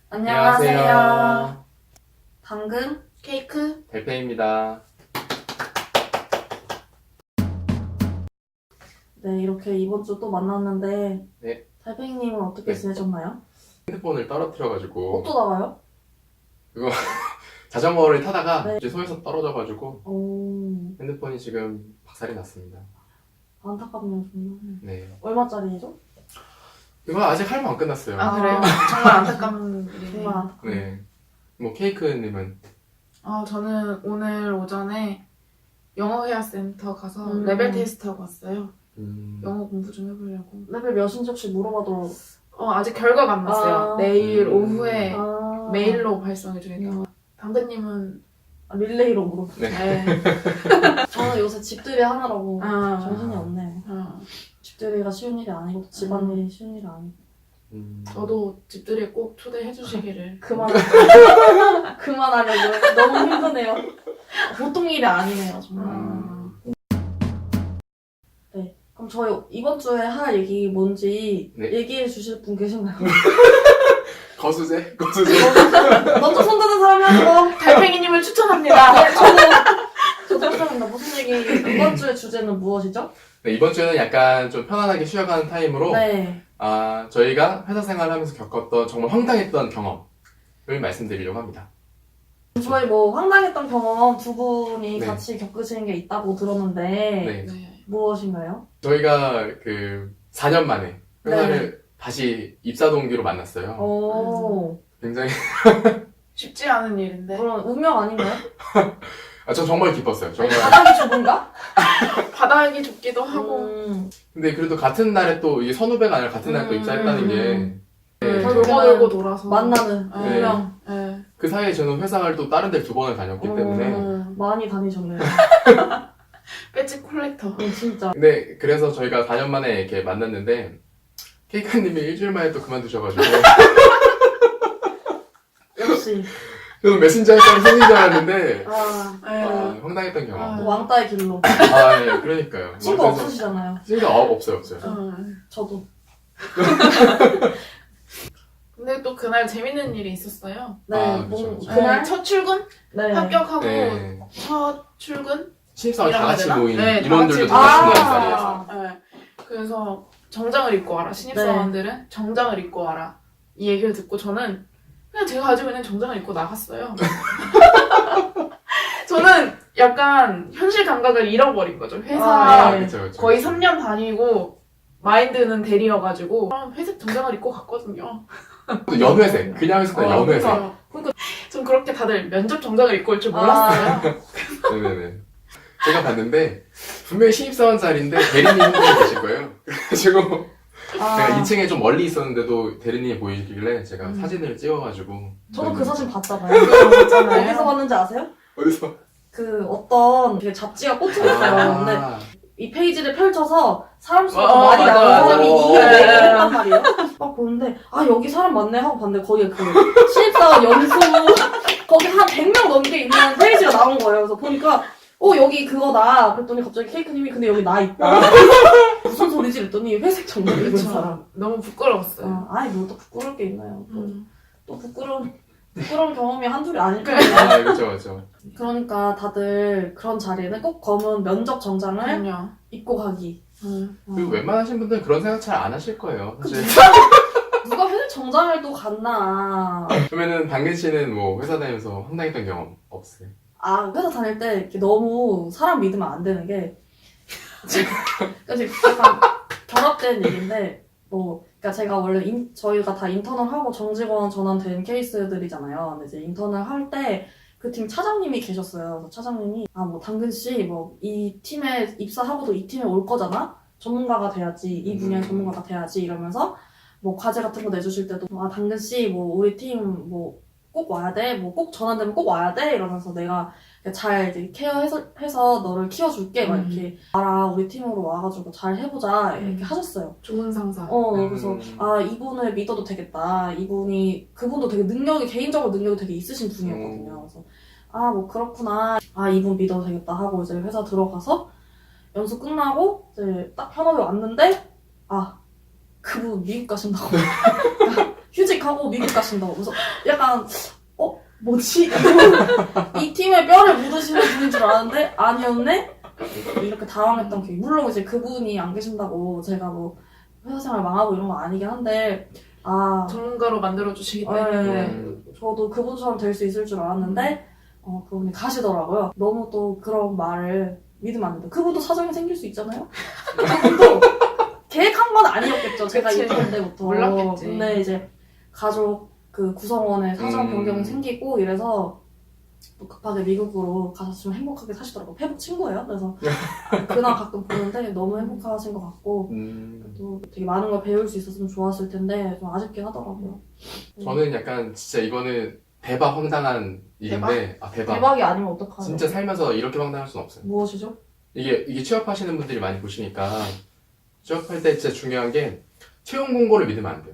안녕하세요. 당근 케이크 대표입니다. 네, 이렇게 이번 주 또 만났는데 네. 달팽이님은 어떻게 네. 지내셨나요? 핸드폰을 떨어뜨려가지고 또 나가요? 자전거를 타다가 네. 이제 손에서 떨어져가지고 오, 핸드폰이 지금 박살이 났습니다. 안타깝네요, 정말. 네. 얼마짜리죠? 이거 아직 할머 안 끝났어요. 아 그래요? 정말 안타까운 일이네요. 정말 안타깝네요. 네. 뭐 케이크님은 저는 오늘 오전에 영어 회화센터 가서 음. 레벨 테스트 하고 왔어요. 음, 영어 공부 좀 해보려고. 레벨 몇인지 혹시 물어봐도 아직 결과가 안 났어요. 아. 내일 오후에 아, 메일로 발송해 주니까. 당근님은 릴레이로 물어봐. 네. 저는 요새 집들이 하느라고 아. 정신이 없네. 집들이가 쉬운 일이 아니고 집안일이 쉬운 일이 아니고. 저도 집들이에 꼭 초대해 주시기를. 그만하려고요. 너무 힘드네요. 보통 일이 아니네요, 정말. 네. 그럼 저희 이번 주에 할 얘기 뭔지 네. 얘기해 주실 분 계신가요? 거수제? 먼저 손드는 사람이 하는 거. 달팽이님을 추천합니다. 저도 생각합니다. 무슨 얘기? 이번 주의 주제는 무엇이죠? 네, 이번 주에는 약간 좀 편안하게 쉬어가는 타임으로 네. 저희가 회사 생활을 하면서 겪었던 정말 황당했던 경험을 말씀드리려고 합니다. 저희 뭐 황당했던 경험 두 분이 네. 같이 겪으신 게 있다고 들었는데 네. 네. 무엇인가요? 저희가 그 4년 만에 회사를 다시 입사 동기로 만났어요. 오, 굉장히 쉽지 않은 일인데. 그런 운명 아닌가요? 저 정말 기뻤어요. 정말. 바닥이 좁은가? 바닥이 좁기도 하고. 근데 그래도 같은 날에 또 이게 선후배가 아니라 같은 날에 또 입사했다는 게 돌고 돌아서 만나는 네. 운명. 네. 그 사이에 저는 회사를 또 다른 데를 2번을 다녔기 때문에 많이 다니셨네요. 배지 콜렉터. 진짜. 근데 그래서 저희가 4년 만에 이렇게 만났는데 케이크님이 일주일 만에 또 그만두셔가지고 역시. 저는 메신저 할 사람 생긴 줄 알았는데 네. 황당했던 경험. 왕따의 길로. 네, 그러니까요. 친구 그래서 없으시잖아요. 친구가 없어요. 저도. 근데 또 그날 재밌는 일이 있었어요. 네, 그쵸. 그날? 첫 출근? 네. 합격하고 네. 첫 출근? 신입사원 다 같이 이라고 해야 모인 되나? 네, 인원들도 다 다 같이 같이 모인 모인 자리에서 네. 그래서 정장을 입고 와라. 신입사원들은 정장을 입고 와라. 이 얘기를 듣고 저는 그냥 제가 가지고 있는 정장을 입고 나갔어요. 저는 약간 현실 감각을 잃어버린 거죠. 회사 네. 그쵸. 거의 3년 다니고 마인드는 대리여가지고 회색 정장을 입고 갔거든요. 또 연회색. 그냥 회색 연회색. 그러니까 전 그렇게 다들 면접 정장을 입고 올 줄 몰랐어요. 네네네. 제가 봤는데 분명히 신입사원 자리인데 대리님 한 분 계실 거예요. 그래가지고 제가 2층에 좀 멀리 있었는데도 대리님이 보이길래 제가 사진을 찍어가지고 저도 그 사진 봤잖아요. 있잖아요. 어디서 봤는지 아세요? 어디서? 그 어떤 되게 잡지가 꽂혀있어요. 근데 이 페이지를 펼쳐서 사람 수가 더 많이 맞아, 나온 맞아. 사람이 어, 이기를 네. 했단 말이에요. 막 보는데 여기 사람 많네 하고 봤는데 거기에 그 신입사원 연수 거기 한 100명 넘게 있는 페이지가 나온 거예요. 그래서 보니까 여기 그거다. 그랬더니 갑자기 케이크님이 근데 여기 나 있다. 무슨 소리지? 그랬더니 회색 정장 입은 그쵸. 사람. 너무 부끄러웠어요. 아이 뭐 또 부끄러울 게 있나요. 또 부끄러운 경험이 한둘이 아닐 그래. 거예요. 그쵸. 그러니까 다들 그런 자리에는 꼭 검은 면접 정장을 그럼요. 입고 가기. 그리고 웬만하신 분들은 그런 생각 잘 안 하실 거예요. 사실. 누가 회색 정장을 또 갔나. 그러면은 당근 씨는 뭐 회사 다니면서 황당했던 경험 없으세요? 회사 다닐 때 이렇게 너무 사람 믿으면 안 되는 게 지금 약간 결합된 얘기인데 그러니까 제가 원래 저희가 다 인턴을 하고 정직원 전환된 케이스들이잖아요. 근데 이제 인턴을 할 때 그 팀 차장님이 계셨어요. 그래서 차장님이 뭐 당근 씨 이 팀에 입사하고도 이 팀에 올 거잖아. 전문가가 돼야지 이 분야의 전문가가 돼야지 이러면서 과제 같은 거 내주실 때도 당근 씨 우리 팀 꼭 와야 돼. 꼭 전환되면 꼭 와야 돼. 이러면서 내가 잘 이제 케어해서 너를 키워줄게. 막 이렇게 우리 팀으로 와가지고 잘 해보자. 이렇게 하셨어요. 좋은 상사. 그래서 이분을 믿어도 되겠다. 그분도 되게 개인적으로 능력이 되게 있으신 분이었거든요. 그래서 그렇구나. 이분 믿어도 되겠다 하고 이제 회사 들어가서 연수 끝나고 이제 딱 현업에 왔는데 그분 미국 가신다고. 휴직하고 미국 가신다고. 그래서 약간 뭐지? 이 팀에 뼈를 묻으시는 분인 줄 알았는데 아니었네? 이렇게 당황했던 기억이. 물론 이제 그분이 안 계신다고 제가 뭐 회사 생활 망하고 이런 건 아니긴 한데 전문가로 만들어주시기 때문에. 저도 그분처럼 될 수 있을 줄 알았는데 그분이 가시더라고요. 너무 또 그런 말을 믿으면 안 된다. 그분도 사정이 생길 수 있잖아요? 그분도 계획한 건 아니었겠죠. 제가 그치. 입사할 때부터. 몰랐겠지. 근데 이제 가족 그 구성원의 사정 변경이 생기고 이래서 또 급하게 미국으로 가서 좀 행복하게 사시더라고요. 페북 친구예요. 그래서 그날 가끔 보는데 너무 행복하신 것 같고 또 되게 많은 걸 배울 수 있었으면 좋았을 텐데 좀 아쉽긴 하더라고요. 저는 약간 진짜 이거는 대박 황당한 일인데 대박. 대박이 아니면 어떡하죠? 진짜 살면서 이렇게 황당할 수는 없어요. 무엇이죠? 이게 취업하시는 분들이 많이 보시니까 취업할 때 진짜 중요한 게 채용 공고를 믿으면 안 돼요.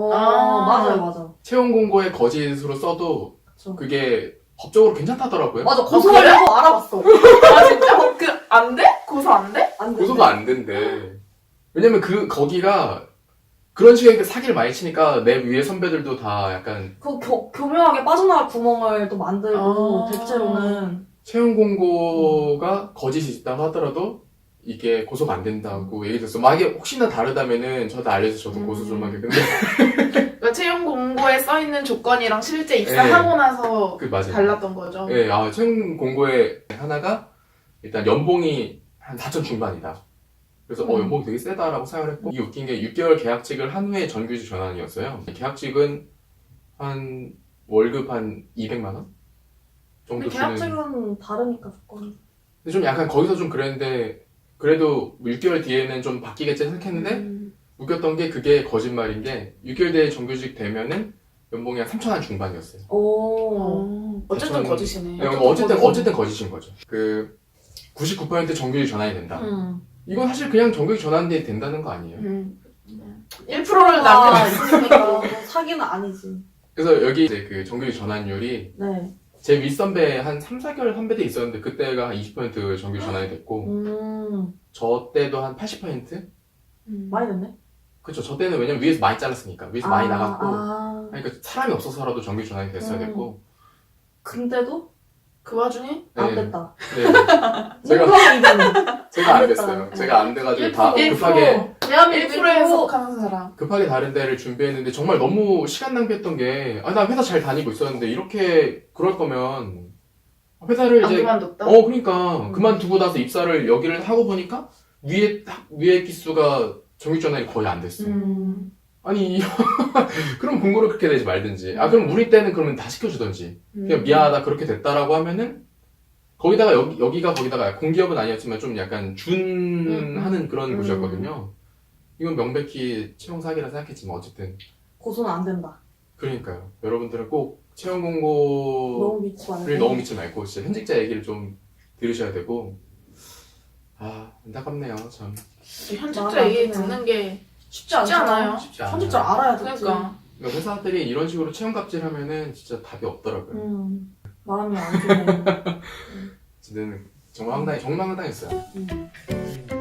맞아요. 채용 공고에 거짓으로 써도 그쵸. 그게 법적으로 괜찮다더라고요. 맞아, 고소하려고 알아봤어. 아 진짜? 안 돼? 고소 안 돼? 안 돼. 고소가 안 된대. 왜냐면 거기가 그런 식의 사기를 많이 치니까 내 위에 선배들도 다 약간 교묘하게 빠져나갈 구멍을 또 만들고 대체로는 채용 공고가 거짓이 있다고 하더라도 이게 고소가 안 된다고 얘기 들었어. 만약에 혹시나 다르다면은 저도 알려서 저도 고소 좀 하게. 근데 그러니까 채용 공고에 써 있는 조건이랑 실제 입사하고 나서 맞아요. 달랐던 거죠. 네, 채용 공고에 하나가 일단 연봉이 한 4천 중반이다. 그래서 연봉이 되게 세다라고 생각을 했고, 이게 웃긴 게 6개월 계약직을 한 후에 정규직 전환이었어요. 계약직은 한 월급 한 200만 원 정도 근데 주는. 계약직은 다르니까 조건이. 근데 좀 약간 거기서 좀 그랬는데 그래도 6개월 뒤에는 좀 바뀌겠지 생각했는데 웃겼던 게 그게 거짓말인 게 6개월 뒤에 정규직 되면은 연봉이 한 3천 원 중반이었어요. 어쨌든 저는- 거짓이네. 네, 어쨌든 거짓인 거죠. 99% 정규직 전환이 된다. 이건 사실 그냥 정규직 전환이 된다는 거 아니에요. 1%를 남겨. 있으니까 뭐 사기는 아니지. 그래서 여기 이제 그 정규직 전환율이 네. 제 윗선배 한 3, 4개월 선배들이 있었는데 그때가 한 20% 정규직 전환이 됐고 저 때도 한 80%? 많이 됐네. 그쵸. 저 때는 왜냐면 위에서 많이 잘랐으니까 위에서 많이 나갔고 그러니까 사람이 없어서라도 정규직 전환이 됐어야 됐고 근데도 그 와중에 안 네. 됐다. 네. 제가 제가 안 됐어요. 제가 안 돼가지고 다 1%. 급하게 1%에 속하는 사람. 다른 데를 준비했는데 정말 너무 시간 낭비했던 게 나 회사 잘 다니고 있었는데 이렇게 그럴 거면 회사를 안 이제 그만뒀다? 그러니까 그만두고 나서 입사를 여기를 하고 보니까 위에 기수가 정규직 전환이 거의 안 됐어. 아니 그럼 공고를 그렇게 내지 말든지 그럼 우리 때는 그러면 다 시켜주던지 그냥 미안하다 그렇게 됐다라고 하면은 거기다가 여기가 거기다가 공기업은 아니었지만 좀 약간 준하는 그런 곳이었거든요. 이건 명백히 채용 사기라 생각했지만 어쨌든 고소는 안 된다. 그러니까요. 여러분들은 꼭 채용 공고를 너무 믿지 말고. 너무 믿지 말고 진짜 현직자 얘기를 좀 들으셔야 되고 안타깝네요 참. 현직자 얘기 듣는 게 쉽지 않아요. 쉽지 않아요. 현직자 알아야 되지. 그러니까 그러니까 회사들이 이런 식으로 채용 갑질하면은 진짜 답이 없더라고요. 마음이 안 좋네. 진짜는 정말 황당했어요.